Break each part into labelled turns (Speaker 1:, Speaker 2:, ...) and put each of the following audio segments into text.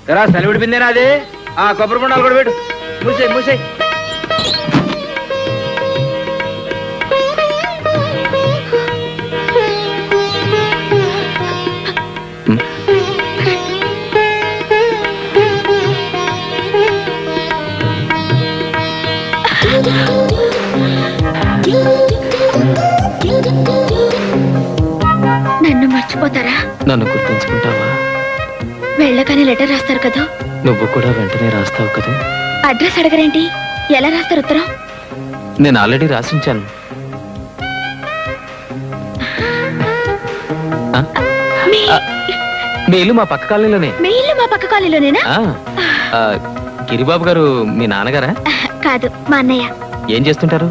Speaker 1: ఎరా సలి విడిపిందేనా అది? ఆ కొబ్బరి బొండాలు కూడా పెట్టు. మూసేయి మూసేయి.
Speaker 2: నన్ను మర్చిపోతారా?
Speaker 3: నన్ను గుర్తుంచుకుంటావా?
Speaker 2: వెళ్ళగానే లెటర్ రాస్తారు కదా.
Speaker 3: నువ్వు కూడా వెంటనే రాస్తావు కదా.
Speaker 2: అడ్రస్ అడగరేంటి? ఎలా రాస్తారు ఉత్తరం?
Speaker 3: నేను ఆల్రెడీ రాసించాను. మీ ఇల్లు మా పక్క కాలనీలోనే.
Speaker 2: మీ ఇల్లు మా పక్క కాలనీలోనేనా?
Speaker 3: గిరిబాబు గారు మీ నాన్నగారా?
Speaker 2: కాదు, మా అన్నయ్య.
Speaker 3: ఏం చేస్తుంటారు?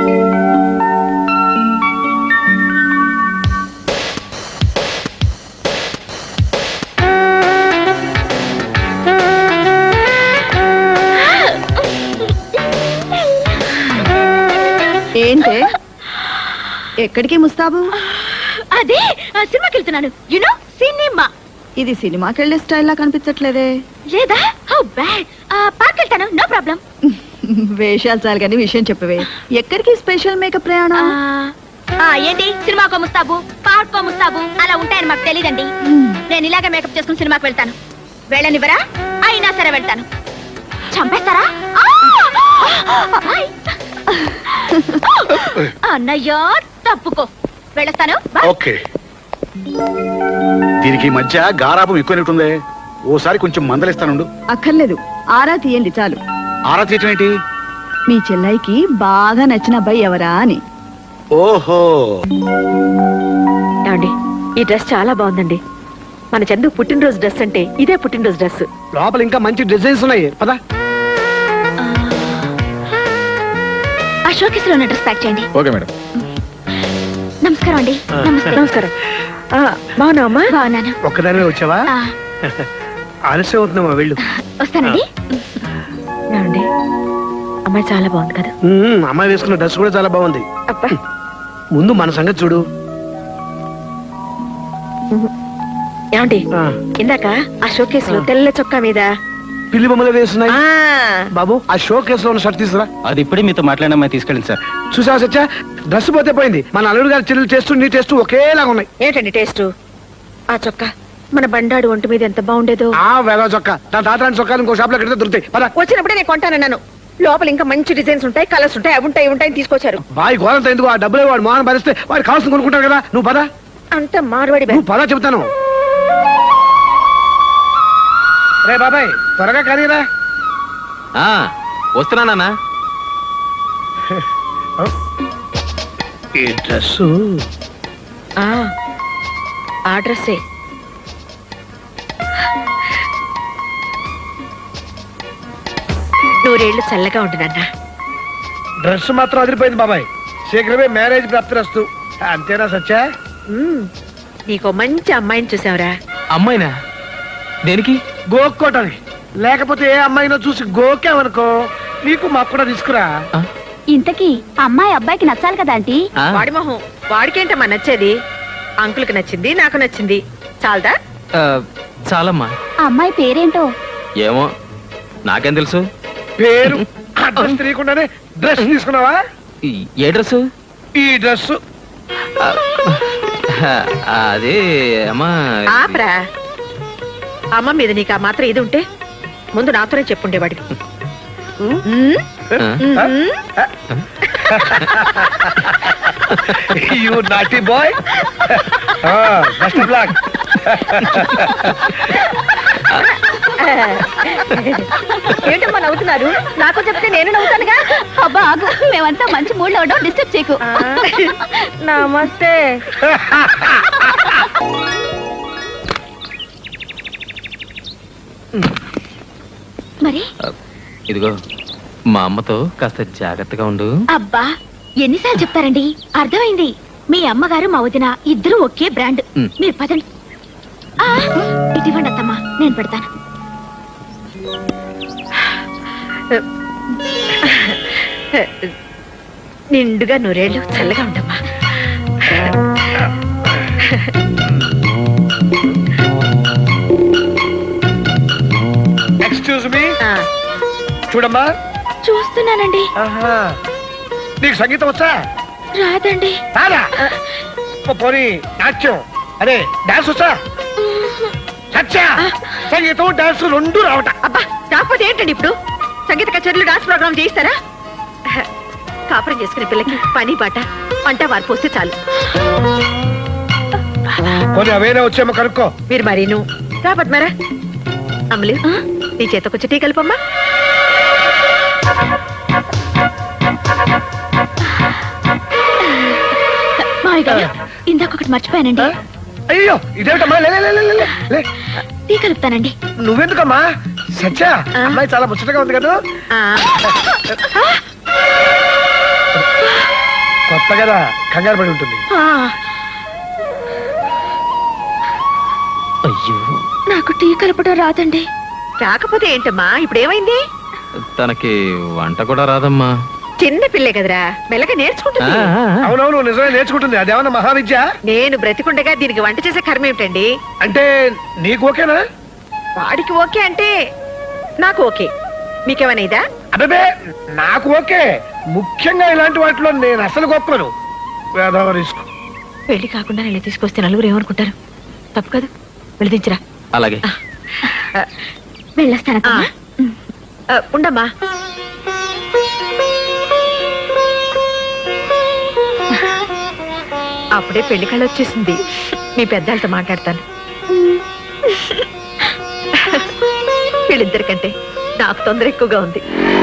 Speaker 4: ఏంటే ఎక్కడికి ముస్తాబు?
Speaker 2: అదే సినిమాకి వెళ్తున్నాను. You know cinema.
Speaker 4: ఇది సినిమాకి వెళ్ళే స్టైల్ లా కనిపించట్లేదే.
Speaker 2: లేదా? How bad. పార్క్ వెళ్తాను, నో ప్రాబ్లం.
Speaker 4: వేషాలు చాలు కానీ విషయం చెప్పవే. ఎక్కడికి స్పెషల్ మేకప్ ప్రయాణం?
Speaker 2: ఏంటి సినిమాకో ముస్తాబు, పార్కో ముస్తాబు అలా ఉంటాయని మాకు తెలియదండి. నేను ఇలాగే మేకప్ చేసుకుని సినిమాకి వెళ్తాను. వెళ్ళనివ్వరా? అయినా సరే వెళ్తాను. చంపేస్తారా? అన్నయ్య తప్పుకో, వెళ్ళొస్తాను.
Speaker 5: ఓకే. దీనికి మధ్య గారాపం ఎక్కువైనట్టుందే. ఓసారి కొంచెం మందలిస్తానుండు.
Speaker 4: అక్కర్లేదు, ఆరా తీయండి చాలు.
Speaker 5: ఆరా తీయటం ఏంటి?
Speaker 4: మీ చెల్లైకి బాగా నచ్చిన అబ్బాయి ఎవరా అని.
Speaker 5: ఓహో,
Speaker 6: ఏమండి, ఈ డ్రెస్ చాలా బాగుందండి. మన చందు పుట్టినరోజు డ్రెస్ అంటే ఇదే పుట్టినరోజు డ్రెస్.
Speaker 1: లోపల ఇంకా మంచి డిజైన్స్ ఉన్నాయి. పదా
Speaker 2: ఆ షోకేస్ లో డ్రెస్ ప్యాక్ చేయండి.
Speaker 5: Okay madam.
Speaker 2: నమస్కారం అండి.
Speaker 6: నమస్కారం. బాగున్నావమ్మా?
Speaker 2: బాగున్నాను.
Speaker 1: ఒక్కదానివే వచ్చావా? ఆలస్యం అవుతున్నావా? వెళ్ళు.
Speaker 2: వస్తానండి.
Speaker 6: ఏమండి, అమ్మాయి చాలా బాగుంది కదా.
Speaker 1: అమ్మాయి వేసుకున్న డ్రెస్ కూడా చాలా బాగుంది.
Speaker 6: అబ్బా,
Speaker 1: ముందు మన సంగతి చూడు.
Speaker 6: ఏమండి, ఇందాక ఆ షోకేస్ లో తెల్ల చొక్కా మీద
Speaker 1: పిల్లి బొమ్మలు వేస్తున్నాయి. బాబు, ఆ షో కేసులో ఉన్న షర్ట్ తీసుకురా.
Speaker 3: అది ఇప్పుడే మీతో మాట్లాడిన అమ్మాయి తీసుకెళ్ళండి సార్.
Speaker 1: చూసావా సచ్చా, డ్రెస్ పోతే పోయింది. మన అల్లుడు గారి చెల్లెలు టేస్ట్ నీ టేస్ట్ ఒకేలాగా ఉన్నాయి.
Speaker 6: ఏంటండి టేస్ట్? ఆ చొక్కా మన బండాడు ఒంటి మీద ఎంత బాగుండేదో.
Speaker 1: ఆ వేగ చొక్కా, నా తాతరాని చొక్కాలు ఇంకో షాప్ లో కడితే దొరుకుతాయి. పద.
Speaker 6: వచ్చినప్పుడే నేను కొంటానన్నాను. లోపల ఇంకా మంచి డిజైన్స్ ఉంటాయి, కలర్స్ ఉంటాయి, అవి ఉంటాయి, ఉంటాయి తీసుకొచ్చారు.
Speaker 1: బాయ్ గోరంత ఎందుకు? ఆ డబ్బులే వాడు మోహన్ భరిస్తే వాడు కావాల్సింది కొనుక్కుంటారు కదా. నువ్వు పద.
Speaker 6: అంత మార్వాడి
Speaker 1: నువ్వు పద చెబుతాను. రే బాబాయ్, త్వరగా కరీరా.
Speaker 3: వస్తున్నానా?
Speaker 1: ఈ డ్రెస్
Speaker 6: ఆ డ్రెస్సే. నూరేళ్లు చల్లగా ఉంటుందన్నా.
Speaker 1: డ్రెస్ మాత్రం అదిరిపోయింది బాబాయ్. శీఘ్రమే మ్యారేజ్ ప్రాప్తిరస్తు. అంతేనా సచ్చా?
Speaker 6: నీకో మంచి అమ్మాయిని చూసావురా.
Speaker 3: అమ్మాయినా? దేనికి?
Speaker 1: గోక్కోటని. లేకపోతే ఏ అమ్మాయినో చూసి గోకావనుకో, నీకు మాకు కూడా తీసుకురా.
Speaker 2: ఇంతకీ అమ్మాయి అబ్బాయికి నచ్చాలి కదా ఆంటీ.
Speaker 6: వాడి మొహం వాడికేంటమ్మా నచ్చేది? అంకుల్కి నచ్చింది, నాకు నచ్చింది. చాలదా?
Speaker 3: చాలమ్మా.
Speaker 2: అమ్మాయి పేరేంటో?
Speaker 3: ఏమో, నాకేం తెలుసు.
Speaker 1: పేరు అడ్రస్ తెలియకుండానే డ్రెస్ తీసుకున్నావా?
Speaker 3: ఏ డ్రెస్?
Speaker 1: ఈ డ్రెస్.
Speaker 3: అదే అమ్మా.
Speaker 6: ఆపరా. అమ్మ మీద నీకు ఆ మాత్రం ఇది ఉంటే ముందు నాతోనే చెప్పుండేవాడివి.
Speaker 1: You naughty boy. Best of luck.
Speaker 6: ఏంటమ్మా నవ్వుతున్నారు? నాకు చెప్తే నేను నవ్వుతానుగా.
Speaker 2: అబ్బా ఆగు, మేమంతా మంచి మూడ్ లో ఉండవు, డిస్టర్బ్ చేయకు.
Speaker 6: నమస్తే.
Speaker 2: మరి
Speaker 3: ఇదిగో, మా అమ్మతో కాస్త జాగ్రత్తగా ఉండు.
Speaker 2: అబ్బా ఎన్నిసార్లు చెప్తారండి? అర్థమైంది. మీ అమ్మగారు మా వదిన ఇద్దరు ఒకే బ్రాండ్. మీరు పదండి. ఇటువంటి అత్తమ్మా, నేను పెడతాను.
Speaker 6: నిండుగా నూరేళ్ళు చల్లగా ఉండమ్మా.
Speaker 1: ఎక్స్క్యూజ్ మీ
Speaker 6: ఆ,
Speaker 1: చూడమ్మా.
Speaker 2: చూస్తున్నానండి.
Speaker 1: ఆహా. నీకు సంగీతం వచ్చా?
Speaker 2: రాదండి.
Speaker 1: రాదా? పోనీ నాట్యం అదే డాన్స్ వచ్చా? సత్య సంగీతం డాన్స్ రెండు రావట.
Speaker 6: అబ్బా కాకపోతే ఏంటండి ఇప్పుడు సంగీత కచేరీలు డాన్స్ ప్రోగ్రామ్ చేయిస్తారా? కాపురం చేసుకునే పిల్లకి పని బాట వంట వారు పోస్తే చాలు.
Speaker 1: పోనీ అవేనా వచ్చేమో కనుక్కో.
Speaker 6: మీరు మరీను రాబట్ మరా అమలు నీ చేత కొంచెం టీ కలుపమ్మా.
Speaker 2: మావయ్య గారు ఇందాక ఒకటి మర్చిపోయానండి.
Speaker 1: అయ్యో ఇదేమిటమ్మా? లే, లే, లే, లే, లే, లే.
Speaker 2: టీ కలుపుతానండి.
Speaker 1: నువ్వెందుకమ్మా? సత్య అమ్మాయి చాలా ముచ్చటగా ఉంది కదా.
Speaker 6: ఆ,
Speaker 1: కొత్త కదా కంగారు పడి ఉంటుంది.
Speaker 6: ఆ,
Speaker 3: అయ్యో
Speaker 2: నాకు టీ కలపడం రాదండి.
Speaker 6: రాకపోతే ఏంటమ్మా ఇప్పుడు ఏమైంది?
Speaker 3: తనకి వంట కూడా రాదమ్మా.
Speaker 6: చిన్న పిల్లే కదరా మెల్లగా నేర్చుకుంటుంది.
Speaker 1: అవునవును నిజమే నేర్చుకుంటుంది. అదేమన్నా మహావిద్య?
Speaker 6: నేను బ్రతికుండగా దీనికి వంట చేసే కర్మ ఏమిటండి?
Speaker 1: అంటే నీకు ఓకేనా?
Speaker 6: వాడికి ఓకే అంటే నాకు ఓకే. మీకేమైనా ఇదా?
Speaker 1: అదే నాకు ఓకే. ముఖ్యంగా ఇలాంటి వాటిలో నేను అసలు గొప్పను. వేదవ రిస్క్.
Speaker 6: పెళ్లి కాకుండా ఇలా తీసుకొస్తే నలుగురు ఏమనుకుంటారు? తప్పు కాదు వెళిదించరా.
Speaker 3: అలాగే
Speaker 2: వెళ్ళొస్తాను.
Speaker 6: ఉండమ్మా. అప్పుడే పెళ్లి కళ వచ్చేసింది. మీ పెద్దలతో మాట్లాడతాను. వీళ్ళిద్దరికంటే నాకు తొందర ఎక్కువగా ఉంది.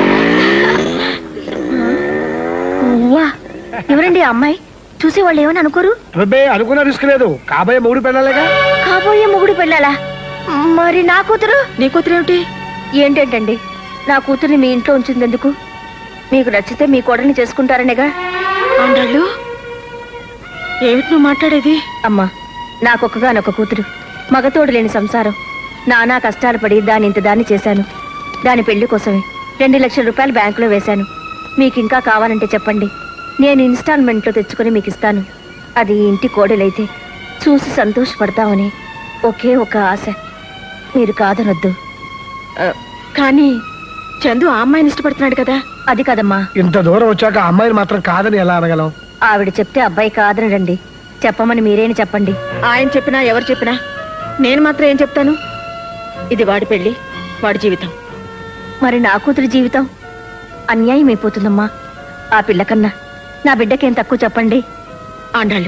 Speaker 2: ఎవరండి ఆ అమ్మాయి? చూసేవాళ్ళు ఏమని అనుకోరు?
Speaker 1: అబ్బే అనుకున్న రిస్క్ లేదు. కాబోయే మూడు పెళ్ళాలేగా.
Speaker 2: కాబోయే మొగుడు పెళ్ళాలా? మరి నా కూతురు?
Speaker 6: నీ కూతురు ఏమిటి?
Speaker 2: ఏంటంటండి నా కూతుర్ని మీ ఇంట్లో ఉంచింది ఎందుకు? మీకు నచ్చితే మీ కోడల్ని చేసుకుంటారనేగా.
Speaker 6: ఆండాళ్ళు ఏమిటి నువ్వు మాట్లాడేది?
Speaker 2: అమ్మా నాకొక్కగానొక్క కూతురు, మగతోడు లేని సంసారం. నానా కష్టాలు పడి దాని ఇంత దాన్ని చేశాను. దాని పెళ్లి కోసమే 2 లక్షల రూపాయలు బ్యాంకులో వేశాను. మీకు ఇంకా కావాలంటే చెప్పండి, నేను ఇన్స్టాల్మెంట్లో తెచ్చుకొని మీకు ఇస్తాను. అది ఈ ఇంటి కోడలైతే చూసి సంతోషపడతామని ఒకే ఒక ఆశ. మీరు కాదనొద్దు.
Speaker 6: కానీ చందు ఆ అమ్మాయిని ఇష్టపడుతున్నాడు కదా.
Speaker 2: అది కదమ్మా.
Speaker 1: ఇంత దూరం వచ్చాక ఆ అమ్మాయిని మాత్రం కాదని ఎలా అనగలం?
Speaker 2: ఆవిడ చెప్తే అబ్బాయి కాదనడండి. చెప్పమని మీరేని చెప్పండి.
Speaker 6: ఆయన చెప్పినా ఎవరు చెప్పినా నేను మాత్రం ఏం చెప్తాను? ఇది వాడి పెళ్లి, వాడి జీవితం.
Speaker 2: మరి నా కూతురి జీవితం అన్యాయం అయిపోతుందమ్మా. ఆ పిల్లకన్నా నా బిడ్డకేం తక్కువ చెప్పండి.
Speaker 6: ఆండాళ్ళు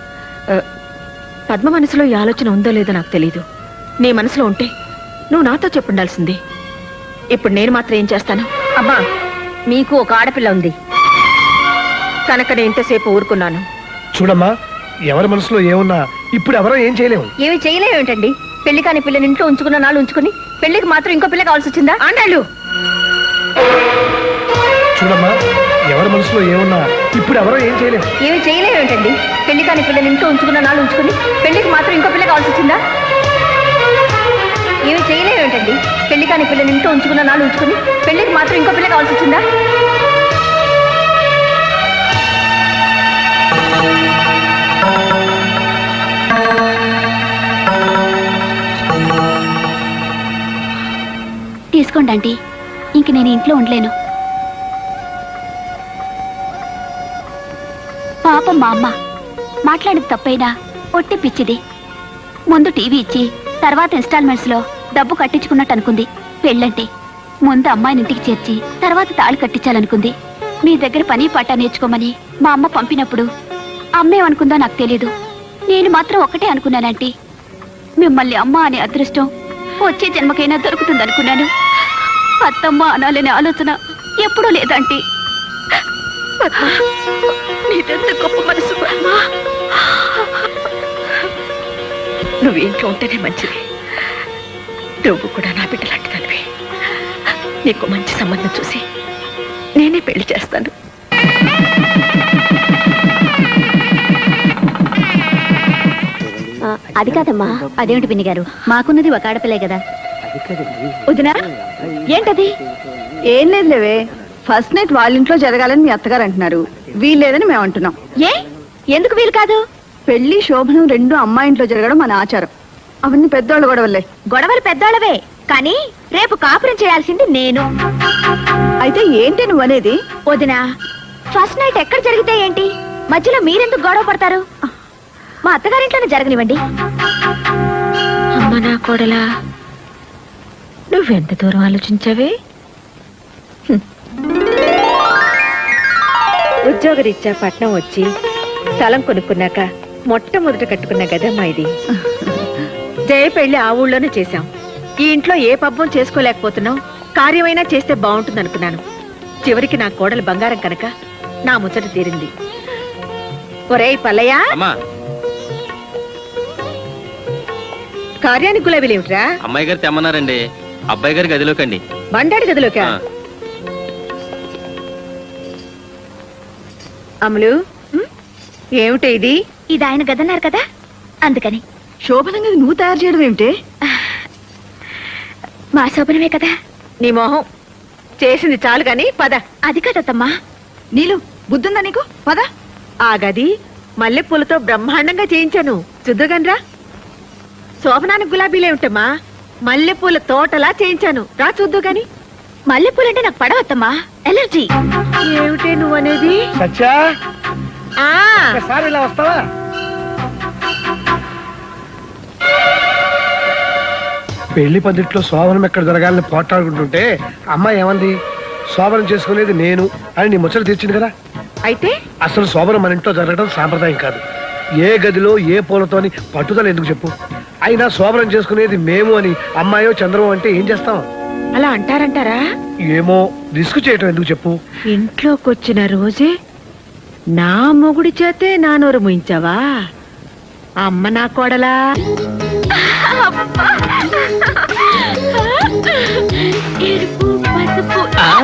Speaker 6: పద్మ మనసులో ఈ ఆలోచన ఉందో లేదో నాకు తెలీదు. నీ మనసులో ఉంటే నువ్వు నాతో చెప్పుండాల్సింది. ఇప్పుడు నేను మాత్రం ఏం చేస్తాను?
Speaker 2: అమ్మా మీకు ఒక ఆడపిల్ల ఉంది
Speaker 6: కనుక నేను ఇంతసేపు ఊరుకున్నాను.
Speaker 1: చూడమ్మా ఎవరి మనసులో ఏమున్నా ఇప్పుడు ఎవరో ఏం చేయలేము.
Speaker 2: ఏమి చేయలేమేంటండి? పెళ్లి కాని పిల్లని ఇంట్లో ఉంచుకున్న నాళ్ళు ఉంచుకుని పెళ్లికి మాత్రం ఇంకో పిల్ల కావాల్సి వచ్చిందా?
Speaker 6: ఆండాళ్ళు
Speaker 1: చూడమ్మా ఎవరి మనసులో ఏమున్నా ఇప్పుడు ఎవరో ఏం చేయలేము.
Speaker 2: ఏమి చేయలేమేంటండి? పెళ్లి కాని పిల్లని ఇంట్లో ఉంచుకున్న నాళ్ళు ఉంచుకుని పెళ్లికి మాత్రం ఇంకో పిల్ల కావాల్సి వచ్చిందా? ఏమి చేయలేమేంటండి? పెళ్లి కాని పిల్లని ఇంట్లో ఉంచుకున్న నాళ్ళు ఉంచుకుని పెళ్లికి మాత్రం ఇంకో పిల్ల కావాల్సి వచ్చిందా? తీసుకోండి ఆంటీ, ఇంక నేను ఇంట్లో ఉండలేను. పాపం మా అమ్మ మాట్లాడేది తప్పైనా ఒట్టి పిచ్చిది. ముందు టీవీ ఇచ్చి తర్వాత ఇన్స్టాల్మెంట్స్ లో డబ్బు కట్టించుకున్నట్టు అనుకుంది. పెళ్ళంటే ముందు అమ్మాయిని ఇంటికి చేర్చి తర్వాత తాళి కట్టించాలనుకుంది. మీ దగ్గర పని పాట నేర్చుకోమని మా అమ్మ పంపినప్పుడు అమ్మేమనుకుందో నాకు తెలీదు. నేను మాత్రం ఒకటే అనుకున్నానంటీ, మిమ్మల్ని అమ్మ అనే అదృష్టం వచ్చే జన్మకైనా దొరుకుతుందనుకున్నాను. అత్తమ్మ అనాలనే ఆలోచన ఎప్పుడూ లేదంటీ.
Speaker 6: నీదెంత గొప్ప మనసు పద్మ. నువ్వు ఇంట్లో ఉంటేనే మంచిది. నువ్వు కూడా నా బిడ్డ లాంటిదానివి. నీకు మంచి సంబంధం చూసి నేనే పెళ్లి చేస్తాను.
Speaker 2: అది కాదమ్మా. అదేమిటి పిన్ని గారు, మాకున్నది ఒక ఆడపిల్లే కదా.
Speaker 6: వదినా ఏంటది?
Speaker 4: ఏం లేదు లేవే, ఫస్ట్ నైట్ వాళ్ళ ఇంట్లో జరగాలని మీ అత్తగారు అంటున్నారు. వీల్లేదని మేము అంటున్నాం.
Speaker 2: ఏ ఎందుకు వీలు కాదు?
Speaker 4: పెళ్లి శోభనం రెండు అమ్మాయి ఇంట్లో జరగడం మన ఆచారం. అవన్నీ పెద్దోళ్ళ గొడవలే.
Speaker 2: గొడవలు పెద్దోళ్ళవే, కానీ రేపు కాపురం చేయాల్సింది నేను.
Speaker 4: అయితే ఏంటి నువ్వు అనేది?
Speaker 2: వదినా, ఫస్ట్ నైట్ ఎక్కడ జరిగితే ఏంటి, మధ్యలో మీరెందుకు గొడవ పడతారు? మా అత్తగారింట్లోనే జరగనివ్వండి.
Speaker 6: అమ్మ నా కోడలా, నువ్వెంత దూరం ఆలోచించావే? ఉద్యోగరీత్యా పట్నం వచ్చి స్థలం కొనుక్కున్నాక మొట్టమొదట కట్టుకున్న గదమ్మా ఇది. జయ పెళ్లి ఆ ఊళ్ళోనే చేశాం. ఈ ఇంట్లో ఏ పబ్బం చేసుకోలేకపోతున్నాం, కార్యమైనా చేస్తే బాగుంటుంది అనుకున్నాను. చివరికి నా కోడలు బంగారం కనుక నా ముచ్చట తీరింది. ఒరేయ్ పల్లయ్య,
Speaker 3: అమ్మా,
Speaker 6: కార్యానికి గులాబీలేమిట్రా?
Speaker 3: అమ్మాయి గారు తెమ్మన్నారండి. అబ్బాయి గారి గదిలోకండి.
Speaker 6: బండాడి గదిలోకా?
Speaker 3: ఆ.
Speaker 6: అమలు, ఏమిటి ఇది?
Speaker 2: ఇది ఆయన గదన్నారు కదా, అందుకని.
Speaker 4: శోభనంగా నువ్వు తయారు చేయడం ఏమిటి?
Speaker 2: మా శోభనమే కదా.
Speaker 6: నీ మొహం చేసింది చాలు గాని పద.
Speaker 2: అది కదమ్మా.
Speaker 4: నీలు బుద్ధుందా నీకు? పద.
Speaker 6: ఆ గది మల్లెపూలతో బ్రహ్మాండంగా చేయించాను, చూద్దుగానరా. శోభనానికి గులాబీలేమిటమ్మా, మల్లెపూల తోటలా చేయించాను, రా చూద్దు గాని.
Speaker 2: మల్లెపూలంటే నాకు పడవద్దమ్మా, ఎలర్జీ.
Speaker 6: ఏమిటే నువ్వనేది?
Speaker 1: సత్యా,
Speaker 6: ఆ
Speaker 1: ఒకసారి ఇలా వస్తావా? పెళ్లి పందిట్లో శోభనం ఎక్కడ జరగాలని పోట్లాడుకుంటుంటే అమ్మాయి ఏమంది? శోభనం చేసుకునేది నేను అని నీ ముచ్చట తీర్చింది కదా.
Speaker 6: అయితే
Speaker 1: అసలు శోభనం మన ఇంట్లో జరగడం సాంప్రదాయం కాదు. ఏ గదిలో ఏ పూలతో అని పట్టుదల ఎందుకు చెప్పు? అయినా శోభనం చేసుకునేది మేము అని అమ్మాయో చంద్రమో అంటే ఏం చేస్తాం?
Speaker 6: అలా అంటారంటారా?
Speaker 1: ఏమో, రిస్క్ చేయటం ఎందుకు చెప్పు?
Speaker 6: ఇంట్లోకొచ్చిన రోజే నా మొగుడి చేతే నా నోరు ముయించావా? అమ్మ నా కోడలా.
Speaker 2: ఎరుపు, పసుపు.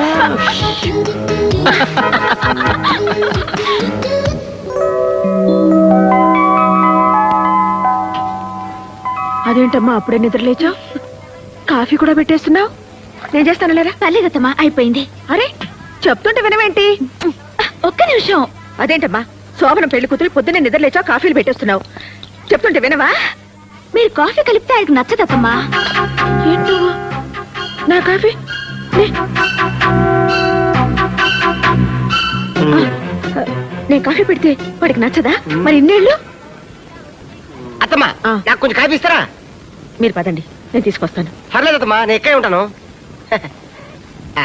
Speaker 6: అదేంటమ్మా అప్పుడే నిద్రలేచావు? కాఫీ కూడా పెట్టేస్తున్నావు? నేను చేస్తాను లేరా.
Speaker 2: పర్లేదమ్మా, అయిపోయింది.
Speaker 6: అరే చెప్తుంటే వినవేంటి?
Speaker 2: ఒక్క నిమిషం.
Speaker 6: అదేంటమ్మా, శోభనం పెళ్లి కూతురు పొద్దున్నే నిద్రలేచావు, కాఫీలు పెట్టేస్తున్నావు, చెప్తుంటే వినవా?
Speaker 2: మీరు కాఫీ కలిపితే ఆయనకు నచ్చదమ్మా.
Speaker 6: ఏంటో నా కాఫీ నే. నేను కాఫీ పెడితే వాడికి నచ్చదా? మరి ఇన్నేళ్ళు.
Speaker 7: అత్తమ్మా,
Speaker 6: ఆ.
Speaker 7: నాకు కొంచెం కాఫీ ఇస్తారా?
Speaker 6: మీరు పదండి, నేను తీసుకొస్తాను.
Speaker 7: పర్లేదు అత్తమ్మా, నేను ఎక్కడే ఉంటాను. ఆ,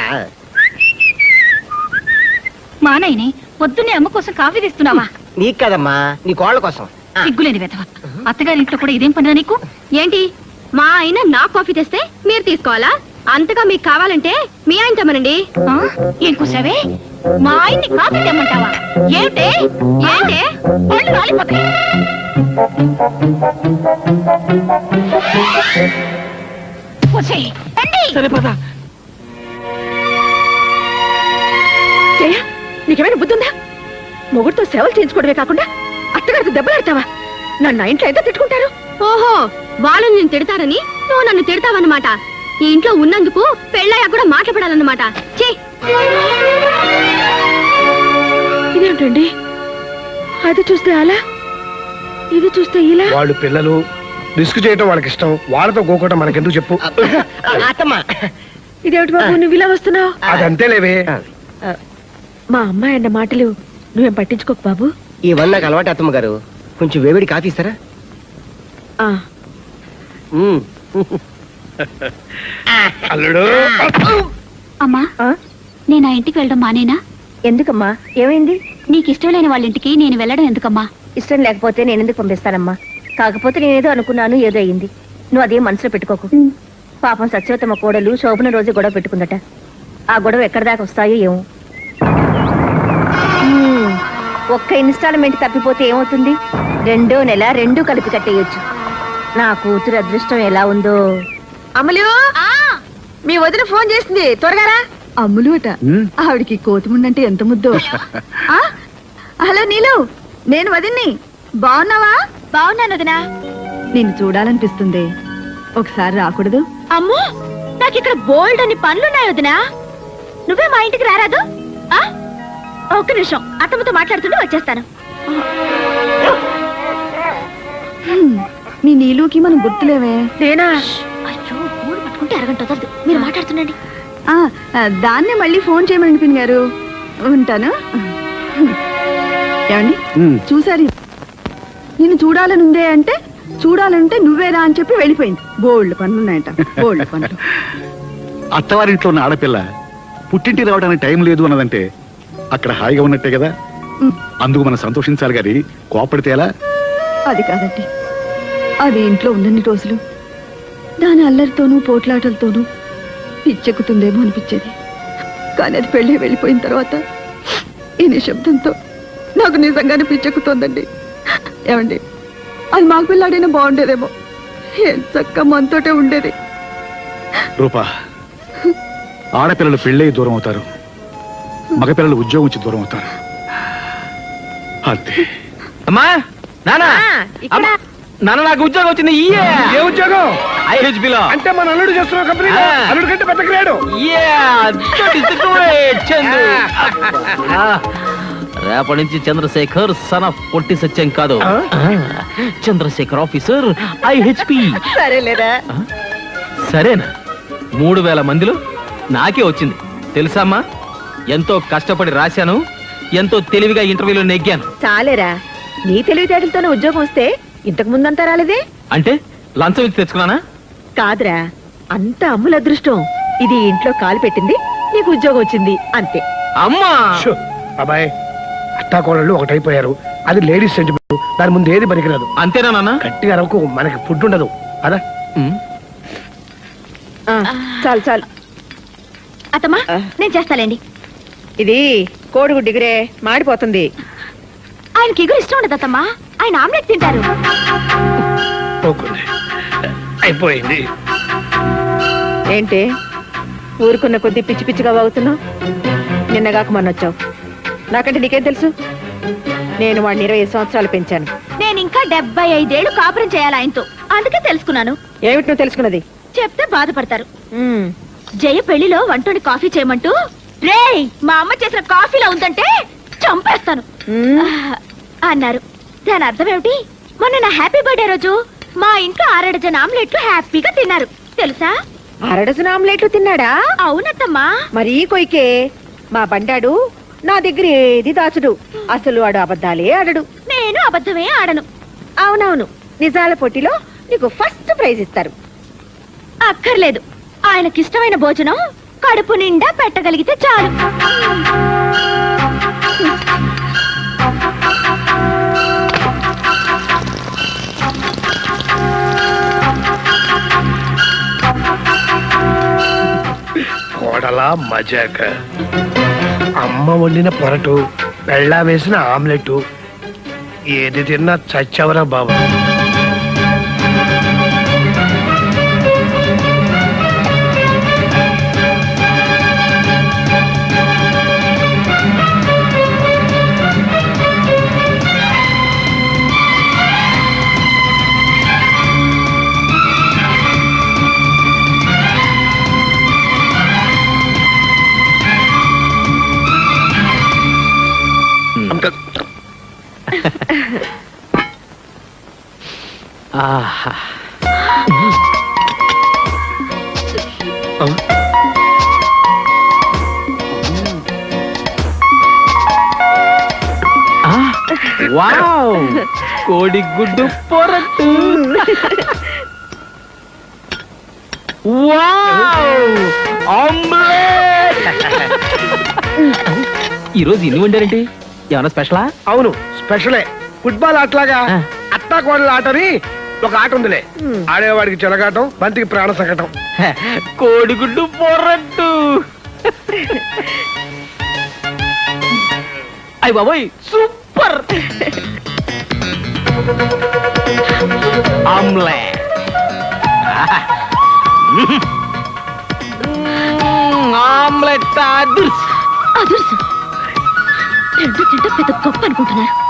Speaker 2: మా నాయనే పొద్దున్నే అమ్మ కోసం కాఫీ తెస్తున్నావా?
Speaker 7: నీకు కదమ్మా, నీ కోళ్ళ కోసం. ఆ,
Speaker 2: సిగ్గులేని వెతవ. అత్తగారింట్లో కూడా ఇదేం పనిరా నీకు? ఏంటి, మా ఆయన నా కాఫీ తెస్తే మీరు తీసుకోవాలా? అంతగా మీకు కావాలంటే మీ ఆయన తెమ్మనండి. ఏం కూసావే? మా ఆయన్ని కాఫీ తెమ్మంటావా? ఏంటే ఏంటే పళ్ళు రాలిపోతాయి. వచ్చేయ్, రండి.
Speaker 6: జయ, నీకేమైనా బుద్ధుందా? మొగుడితో సేవలు చేయించుకోవడమే కాకుండా అత్తగారికి దెబ్బలాడతావా? నన్ను నా ఇంట్లో ఎంత తిట్టుకుంటారు?
Speaker 2: ఓహో, వాళ్ళు నేను తిడతారని నువ్వు నన్ను తిడతావన్నమాట. ఈ ఇంట్లో ఉన్నందుకు పెళ్ళయ్యా కూడా మాట్లాడాలన్నమాట. చే,
Speaker 6: ఇదేంటండి, అది చూస్తే అలా, ఇది చూస్తే ఇలా.
Speaker 1: వాళ్ళు పిల్లలు, రిస్క్ చేయటం వాళ్ళకి ఇష్టం. వాళ్ళతో గోకోవటం మనకెందుకు చెప్పు?
Speaker 7: అత్తమ్మా,
Speaker 6: ఇదేమిటి బాబు, నువ్వు ఇలా వస్తున్నావు?
Speaker 1: అదంతేలేవే.
Speaker 6: మా అమ్మాయి అన్న మాటలు నువ్వేం పట్టించుకోకు బాబు.
Speaker 7: ఇవన్నీ నాకు అలవాటు అత్తమ్మ గారు. కొంచెం వేవిడి కాఫీ ఇస్తారా?
Speaker 6: ఆ,
Speaker 7: ఉమ్.
Speaker 1: అల్లుడు,
Speaker 2: అమ్మా,
Speaker 6: ఆ?
Speaker 2: నేను ఆ ఇంటికి వెళ్ళడం మానేనా?
Speaker 6: ఎందుకమ్మా, ఏమైంది?
Speaker 2: నీకు ఇష్టం లేని వాళ్ళ ఇంటికి నేను వెళ్ళడం ఎందుకమ్మా?
Speaker 6: ఇష్టం లేకపోతే నేను ఎందుకు పంపిస్తానమ్మా? కాకపోతే నేనేదో అనుకున్నాను, ఏదో అయ్యింది. నువ్వు అదేం మనసులో పెట్టుకోకు. పాపం సత్యవతమ్మ కోడలు శోభన రోజు గొడవ పెట్టుకుందట. ఆ గొడవ ఎక్కడి దాకా వస్తాయో ఏమో. ఒక్క ఇన్స్టాల్మెంట్ తప్పిపోతే ఏమవుతుంది? 2వ నెల 2 కలిపి కట్టేయొచ్చు. నా కూతురు అదృష్టం ఎలా ఉందో. అమలు, మీ వదిన ఫోన్ చేసింది, త్వరగా రా.
Speaker 4: అమ్ములు అట. ఆవిడికి కోతిముండంటే ఎంత ముద్దో. ఆ? హలో నీలు, నేను వదిన్ని. బాగున్నావా?
Speaker 2: బాగున్నాను వదినా.
Speaker 4: నిన్ను చూడాలనిపిస్తుంది, ఒకసారి రాకూడదు?
Speaker 2: అమ్మో, నాకు ఇక్కడ బోల్డ్ అని పనులున్నాయి వదినా. నువ్వే మా ఇంటికి రారాదు? ఆ? ఒక్క నిమిషం, అత్తమ్మతో మాట్లాడుతుంటే వచ్చేస్తాను.
Speaker 4: మీ నీలుకి మనం గుర్తులేవే.
Speaker 6: నేనా?
Speaker 2: అయ్యో, ఊరు పట్టుకుంటే అరగంట వదలదు. మీరు మాట్లాడుతుండండి.
Speaker 4: దాన్నే మళ్ళీ ఫోన్ చేయమని పిన్ గారు. ఉంటాను. ఏమండి చూసారు, నేను చూడాలనుందే అంటే చూడాలంటే నువ్వేరా అని చెప్పి వెళ్ళిపోయింది. బోల్డ్ పనులున్నాయంట, బోల్డ్ పనులు.
Speaker 5: అత్తవారింట్లో ఉన్న ఆడపిల్ల పుట్టింటికి రావడానికి టైం లేదు అన్నదంటే అక్కడ హాయిగా ఉన్నట్టే కదా. అందుకు మనం సంతోషించాలి గారి కోపడితే ఎలా?
Speaker 4: అది కాదండి, అది ఇంట్లో ఉన్నన్ని రోజులు దాని అల్లరితోనూ పోట్లాటలతోనూ పిచ్చెక్కుతుందేమో అనిపించేది. కానీ అది పెళ్ళి వెళ్ళిపోయిన తర్వాత ఈ నిశ్శబ్దంతో నాకు నిజంగానే పిచ్చెక్కుతోందండి. ఏమండి, అది మాకు పిల్లాడైనా బాగుండేదేమో. ఏం చక్క మనతోటే ఉండేది.
Speaker 5: రూపా, ఆడపిల్లలు పెళ్ళై దూరం అవుతారు, మగపిల్లలు ఉద్యోగం వచ్చి దూరం అవుతారు. అంతే.
Speaker 3: అమ్మా నానా
Speaker 6: ఇక్కడ
Speaker 3: నాన్న నాకు ఉద్యోగం వచ్చింది.
Speaker 1: ఏ ఉద్యోగం?
Speaker 3: IHB లో.
Speaker 1: అంటే మన అల్లుడు చేస్తున్న కంపెనీ
Speaker 3: ఆ.
Speaker 1: అల్లుడు కంటే పెద్ద గ్రేడు.
Speaker 3: రేపటి నుంచి చంద్రశేఖర్ సన్ ఆఫ్ పొట్టి సత్యం కాదు, చంద్రశేఖర్ ఆఫీసర్ IHP.
Speaker 6: సరేలేరా.
Speaker 3: సరేనా? 3000 మందిలో నాకే వచ్చింది తెలుసామ్మా. ఎంతో కష్టపడి రాశాను, ఎంతో తెలివిగా ఇంటర్వ్యూలో నెగ్గాను.
Speaker 6: చాలేరా, నీ తెలివితేటలతోనే ఉద్యోగం వస్తే ఇంతకు ముందంతా రాలేదే.
Speaker 3: అంటే లంచం ఇచ్చి తెచ్చుకున్నానా?
Speaker 6: కాదురా, అంత అమ్ముల అదృష్టం. ఇది ఇంట్లో కాలు పెట్టింది, నీకు ఉద్యోగం వచ్చింది అంతే.
Speaker 3: అమ్మా
Speaker 1: షో, అబ్బాయి అత్తాకోడళ్ళు ఒకటైపోయారు. అది లేడీస్ సెంటిమెంట్, దాని ముందు ఏది పనికిరాదు.
Speaker 3: అంతేనా నాన్న?
Speaker 1: గట్టిగా అరవకు, మనకి ఫుడ్ ఉండదు. అదా
Speaker 3: ఉమ్.
Speaker 6: ఆ, చాలు చాలు.
Speaker 2: అత్తమ్మా నేను చేస్తాలేండి.
Speaker 6: ఇది కోడిగుడ్డు డిగ్రే మాడిపోతుంది.
Speaker 2: ఆయనకి ఎగురు ఇష్టం ఉండదు అత్తమ్మా, ఆయన ఆమ్లెట్ తింటారు.
Speaker 1: పోకుంది. అయిపోయింది.
Speaker 6: ఏంటి ఊరుకున్న కొద్ది పిచ్చి పిచ్చిగా వాగుతున్నావు? నిన్నగాక మొన్న వచ్చావు. నాకంటే నీకేం తెలుసు? నేను వాడిని 20 సంవత్సరాలు పెంచాను.
Speaker 2: నేను ఇంకా 75 ఏళ్ళు కాపురం చేయాలి ఆయనతో, అందుకే తెలుసుకున్నాను.
Speaker 6: ఏమిటి నువ్వు తెలుసుకున్నది?
Speaker 2: చెప్తే బాధపడతారు.
Speaker 6: ఉమ్,
Speaker 2: జయ పెళ్లిలో వంటోని కాఫీ చేయమంటూ రేయ్ మా అమ్మ చేసిన కాఫీలో ఉందంటే చంపేస్తాను అన్నారు. దాని అర్థం ఏమిటి? మొన్న నా హ్యాపీ బర్త్డే రోజు మా ఇంట్లో 6 డజన్ ఆమ్లెట్లు హ్యాపీగా తిన్నారు తెలుసా?
Speaker 6: 6 డజన్ ఆమ్లెట్లు తిన్నాడా?
Speaker 2: అవునత్తమ్మా.
Speaker 6: మరీ కొయ్కే. మా బండాడు నా దగ్గర ఏది దాచుడు. అసలు వాడు అబద్ధాలే ఆడడు.
Speaker 2: నేను అబద్ధమే ఆడను.
Speaker 6: అవునవును, నిజాల పోటీలో నీకు ఫస్ట్ ప్రైజ్ ఇస్తారు.
Speaker 2: అక్కర్లేదు, ఆయనకిష్టమైన భోజనం కడుపు నిండా పెట్టగలిగితే చాలు.
Speaker 1: కోడలా మజాక. అమ్మ వండిన పొరటు, బెళ్ళా వేసిన ఆమ్లెట్, ఏది తిన్నా చచ్చవరా బాబు.
Speaker 3: ఆహా. ఆ, వావ్, కోడిగుడ్డు పొరట్టు. Wow, omelette. ఈరోజు ఇన్ని వండారేంటి? ఏమన్నా స్పెషలా?
Speaker 1: అవును, స్పెషలే. ఫుట్బాల్ ఆటలాగా అత్తా కోడల ఆటని ఒక ఆట ఉందిలే. ఆడేవాడికి చెలగాటం, బంతికి ప్రాణ సంకటం.
Speaker 3: కోడిగుడ్డు పొరట్టు. అయ్య బాబోయ్, సూపర్. ఆమ్లెట్. ఆమ్లెట్ అదుర్స్.
Speaker 2: అదుర్సు రెండు తింటే పెద్ద గొప్ప అనుకుంటున్నారు.